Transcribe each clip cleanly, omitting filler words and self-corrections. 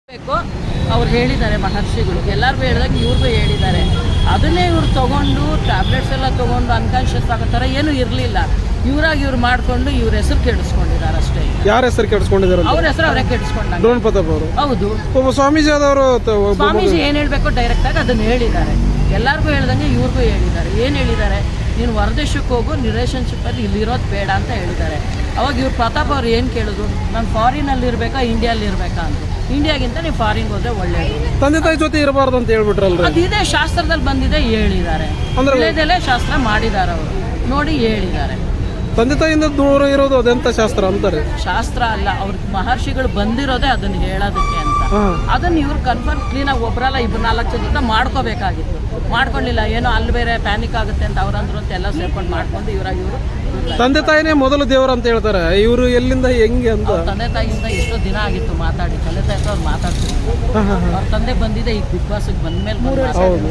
ಬೇಕು ಅವ್ರು ಹೇಳಿದ್ದಾರೆ ಮಹರ್ಷಿಗಳು ಎಲ್ಲರಿಗೂ ಹೇಳಿದಾಗ ಇವ್ರಿಗೂ ಹೇಳಿದ್ದಾರೆ. ಅದನ್ನೇ ಇವ್ರು ತೊಗೊಂಡು ಟ್ಯಾಬ್ಲೆಟ್ಸ್ ಎಲ್ಲ ತೊಗೊಂಡು ಅನ್ಕಾನ್ಷಿಯಸ್ ಆಗೋ ಥರ ಏನೂ ಇರಲಿಲ್ಲ. ಇವರಾಗಿ ಇವ್ರು ಮಾಡಿಕೊಂಡು ಇವ್ರ ಹೆಸರು ಕೆಡಿಸ್ಕೊಂಡಿದ್ದಾರೆ ಅಷ್ಟೇ. ಯಾರ ಹೆಸರು ಕೆಡಿಸ್ಕೊಂಡಿದ್ದಾರೆ? ಅವ್ರ ಹೆಸರು ಅವರೇ ಕೆಡಿಸ್ಕೊಂಡಾಗ. ಡ್ರೋನ್ ಪ್ರತಾಪ್ ಅವರು. ಹೌದು, ಒಬ್ಬ ಸ್ವಾಮೀಜಿ ಆದವರು ಸ್ವಾಮೀಜಿ ಏನು ಹೇಳಬೇಕು ಡೈರೆಕ್ಟಾಗಿ ಅದನ್ನು ಹೇಳಿದ್ದಾರೆ. ಎಲ್ಲರಿಗೂ ಹೇಳ್ದಂಗೆ ಇವ್ರಿಗೂ ಹೇಳಿದ್ದಾರೆ. ಏನು ಹೇಳಿದ್ದಾರೆ? ನೀನು ಹೊರದೇಶಕ್ಕೆ ಹೋಗು, ರಿಲೇಷನ್ಶಿಪ್ಪಲ್ಲಿ ಇಲ್ಲಿರೋದು ಬೇಡ ಅಂತ ಹೇಳಿದ್ದಾರೆ. ಅವಾಗ ಇವ್ರು ಪ್ರತಾಪ್ ಅವ್ರು ಏನು ಕೇಳಿದ್ರು, ನಾನು ಫಾರಿನಲ್ಲಿ ಇರಬೇಕಾ ಇಂಡಿಯಲ್ಲಿ ಇರಬೇಕಾ ಅಂತ. ಇಂಡಿಯಾಗಿಂತ ನೀವು ಫಾರಿನ್ಗೆ ಹೋದ್ರೆ ಒಳ್ಳೆಯದು, ತಂದೆ ತಾಯಿ ಜೊತೆ ಇರಬಾರ್ದು ಅಂತ ಹೇಳ್ಬಿಟ್ರಲ್ರಿ. ಅದಿದೆ ಶಾಸ್ತ್ರದಲ್ಲಿ ಬಂದಿದೆ ಹೇಳಿದ್ದಾರೆ. ವಿಳೆದೆಲೆ ಶಾಸ್ತ್ರ ಮಾಡಿದ್ದಾರೆ ಅವರು, ನೋಡಿ ಹೇಳಿದ್ದಾರೆ. ತಂದೆ ತಾಯಿಯಿಂದ ದೂರ ಇರೋದು ಅದೆಂತ ಶಾಸ್ತ್ರ ಅಂತಾರೆ? ಶಾಸ್ತ್ರ ಅಲ್ಲ, ಅವ್ರಿಗೆ ಮಹರ್ಷಿಗಳು ಬಂದಿರೋದೇ ಅದನ್ನು ಹೇಳೋದಕ್ಕೆ ಅಂತ. ಅದನ್ನು ಇವ್ರು ಕನ್ಫರ್ಮ್ ಕ್ಲೀನಾಗಿ ಒಬ್ಬರಲ್ಲ ಇಬ್ಬರು 4 ಜನ ಮಾಡ್ಕೋಬೇಕಾಗಿತ್ತು. ಮಾಡ್ಕೊಳ್ಳಿಲ್ಲ, ಏನೋ ಅಲ್ಲಿ ಬೇರೆ ಪ್ಯಾನಿಕ್ ಆಗುತ್ತೆ ಅಂತ ಅವ್ರಂದ್ರು ಅಂತ ಎಲ್ಲ ಸೇರ್ಕೊಂಡು ಮಾಡ್ಕೊಂಡು ಇವರು ತಂದೆ ತಾಯಿನೇ ಮೊದಲು ದೇವರು ಅಂತ ಹೇಳ್ತಾರೆ. ಇವರು ಎಲ್ಲಿಂದ ಹೆಂಗೆ ಅಂತ ತಂದೆ ತಾಯಿಯಿಂದ ಎಷ್ಟೋ ದಿನ ಆಗಿತ್ತು ಮಾತಾಡಿ. ತಂದೆ ತಾಯಿ ಅವ್ರು ಮಾತಾಡ್ತಿದ್ರು. ಅವ್ರ ತಂದೆ ಬಂದಿದೆ ಈಗ ಬಿಗ್ ಬಾಸ್ಗೆ ಬಂದ್ಮೇಲೆ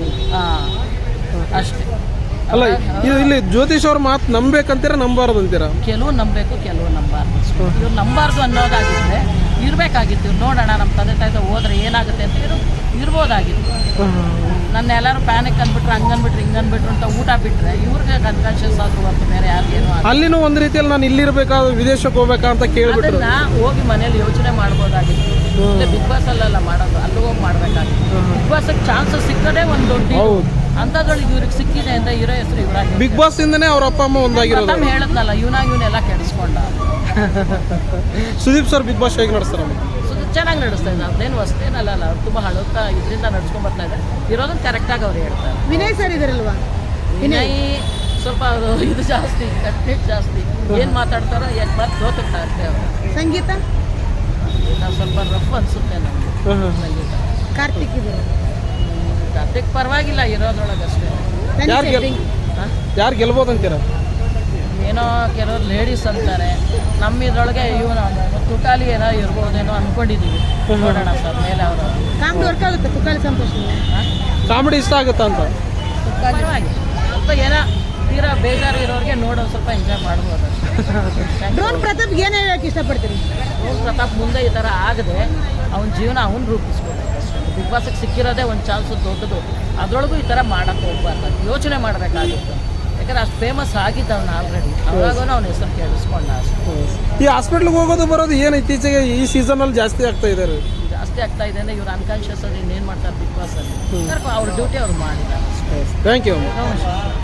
ಅಷ್ಟೇ. ಅಲ್ಲ, ಇಲ್ಲಿ ಜ್ಯೋತಿಷ್ ಅವ್ರ ಮಾತು ನಂಬೇಕಂತೀರ ನಂಬಾರ್ದು ಅಂತೀರಾ? ಕೆಲವು ನಂಬಬೇಕು, ಕೆಲವು ನಂಬಾರ್ದು. ಇವ್ರು ನಂಬಾರ್ದು ಅನ್ನೋದಾಗಿದ್ರೆ ಇರಬೇಕಾಗಿತ್ತು. ಇವ್ರು ನೋಡೋಣ ನಮ್ಮ ತಂದೆ ತಾಯಿ ಹೋದ್ರೆ ಏನಾಗುತ್ತೆ ಅಂತ ಇರ್ಬೋದಾಗಿತ್ತು. ನನ್ನ ಎಲ್ಲರೂ ಪ್ಯಾನಿಕ್ ಅಂದ್ಬಿಟ್ರೆ ಹಂಗನ್ಬಿಟ್ರೆ ಹಿಂಗನ್ಬಿಟ್ರು ಅಂತ ಊಟ ಬಿಟ್ಟರೆ ಇವ್ರಿಗೆ ಅನ್ಕಾನ್ಷಿಯಸ್ ಆದ್ರೂ ಹೊರತು ಬೇರೆ ಯಾರಿಗೇನು. ಅಲ್ಲಿನೂ ಒಂದು ರೀತಿಯಲ್ಲಿ ನಾನು ಇಲ್ಲಿರ್ಬೇಕಾ ವಿದೇಶಕ್ಕೆ ಹೋಗ್ಬೇಕಾ ಅಂತ ಕೇಳ್ಬಿಟ್ರು. ಹೋಗಿ ಮನೇಲಿ ಯೋಚನೆ ಮಾಡ್ಬೋದಾಗಿತ್ತು. ಬಿಗ್ ಬಾಸ್ ಅಲ್ಲೆಲ್ಲ ಮಾಡೋದು, ಅಲ್ಲಿ ಹೋಗಿ ಮಾಡ್ಬೇಕಾಗಿತ್ತು. ಬಿಗ್ ಬಾಸ್ಗೆ ಚಾನ್ಸಸ್ ಸಿಕ್ಕದೇ ಒಂದು ದೊಡ್ಡ ಅಂಥದ್ರೊಳಗೆ ಇವ್ರಿಗೆ ಸಿಕ್ಕಿದೆ ಅಂತ ಇರೋ ಹೆಸರು ಇವರಾಗಿ. ಬಿಗ್ ಬಾಸ್ ಇಂದನೇ ಅವ್ರ ಅಪ್ಪ ಅಮ್ಮ ಒಂದಾಗಿರೋದು. ಹೇಳದ್ನಲ್ಲ, ಇವನೆಲ್ಲ ಕೆಡಿಸ್ಕೊಂಡ. ಸುದೀಪ್ ಸರ್ ಬಿಗ್ ಬಾಸ್ ಹೇಗೆ ನಡೆಸ್ತಾರ? ಚೆನ್ನಾಗಿ ನಡೆಸ್ತಾ ಇದ್ದಾರೆ. ಅದೇನು ಹೊಸ್ತೇನಲ್ಲ, ಅವ್ರು ತುಂಬ ಹಳೋತಾ ಇದರಿಂದ ನಡ್ಸ್ಕೊಂಡ್ ಬರ್ತಾ ಇದ್ದಾರೆ. ಇರೋದನ್ನ ಕರೆಕ್ಟಾಗಿ ಅವ್ರು ಹೇಳ್ತಾರೆ. ವಿನಯ್ ಸರ್ ಇದಾರಲ್ವಾ? ವಿನಯ್ ಸ್ವಲ್ಪ ಇದು ಜಾಸ್ತಿ, ಕಟ್ನಿಟ್ ಜಾಸ್ತಿ. ಏನು ಮಾತಾಡ್ತಾರೋ ಏನು ಮಾತು ಗೊತ್ತಾಗ್ತಾ ಇರ್ತೇವೆ ಅವರು. ಸಂಗೀತ ನಾವು ಸ್ವಲ್ಪ ರಫ್ ಅನ್ಸುತ್ತೆ ನಮಗೆ ಸಂಗೀತ. ಕಾರ್ತಿಕ್ ಇದ್ದಾರೆ. ಕಾರ್ತಿಕ್ ಪರವಾಗಿಲ್ಲ ಇರೋದ್ರೊಳಗಷ್ಟೇ. ಯಾರು ಗೆಲ್ಬೋದು ಅಂತೀರ? ಏನೋ ಕೆಲವರು ಲೇಡೀಸ್ ಅಂತಾರೆ. ನಮ್ಮ ಇದ್ರೊಳಗೆ ಇವನು ತುಕಾಲಿ ಏನೋ ಇರ್ಬೋದೇನೋ ಅನ್ಕೊಂಡಿದ್ದೀವಿ. ನೋಡೋಣ ಸರ್ ಮೇಲೆ ಅವರು. ಕಾಮಿಡಿ ವರ್ಕ್ ಆಗುತ್ತೆ ತುಕಾಲಿ ಸಂತೋಷ್. ಕಾಮಿಡಿ ಇಷ್ಟ ಆಗುತ್ತಾ ಅಂತ? ಪರವಾಗಿ ಸ್ವಲ್ಪ ಏನೋ ತೀರಾ ಬೇಜಾರು ಇರೋರಿಗೆ ನೋಡೋದು ಸ್ವಲ್ಪ ಎಂಜಾಯ್ ಮಾಡ್ಬೋದು ಅಷ್ಟೇ. ಡ್ರೋನ್ ಪ್ರತಾಪ್ ಏನು ಹೇಳಕ್ಕೆ ಇಷ್ಟಪಡ್ತೀರಿ? ಡ್ರೋನ್ ಪ್ರತಾಪ್ ಮುಂದೆ ಈ ಥರ ಆಗದೆ ಅವನ ಜೀವನ ಅವನು ರೂಪಿಸ್ಕೋಬೇಕು ಅಷ್ಟೇ. ಬಿಗ್ ಬಾಸ್ಗೆ ಸಿಕ್ಕಿರೋದೇ ಒಂದು ಚಾನ್ಸು ದೊಡ್ಡದು. ಅದರೊಳಗೂ ಈ ಥರ ಮಾಡೋಕ್ಕೆ ಹೋಗ್ಬಾರ್ದು, ಯೋಚನೆ ಮಾಡಬೇಕಾಗಿತ್ತು. ಯಾಕಂದ್ರೆ ಅಷ್ಟು ಫೇಮಸ್ ಆಗಿದ್ದವನು ಆಲ್ರೆಡಿ. ಅವಾಗೂ ಅವನ ಹೆಸರು ಕೇಳಿಸ್ಕೊಂಡ ಅಷ್ಟೇ. ಈ ಹಾಸ್ಪಿಟ್ಲಿಗೆ ಹೋಗೋದು ಬರೋದು ಏನು ಇತ್ತೀಚೆಗೆ ಈ ಸೀಸನಲ್ಲಿ ಜಾಸ್ತಿ ಆಗ್ತಾ ಇದೆ? ಜಾಸ್ತಿ ಆಗ್ತಾ ಇದೆ ಅಂದರೆ ಇವ್ರು ಅನ್ಕಾನ್ಷಿಯಸ್ ಅಲ್ಲಿ ಇನ್ನೇನು ಮಾಡ್ತಾರೆ ಬಿಗ್ ಬಾಸಲ್ಲಿ. ಅವ್ರ ಡ್ಯೂಟಿ ಅವ್ರು ಮಾಡಿದ್ದಾರೆ. Thank you.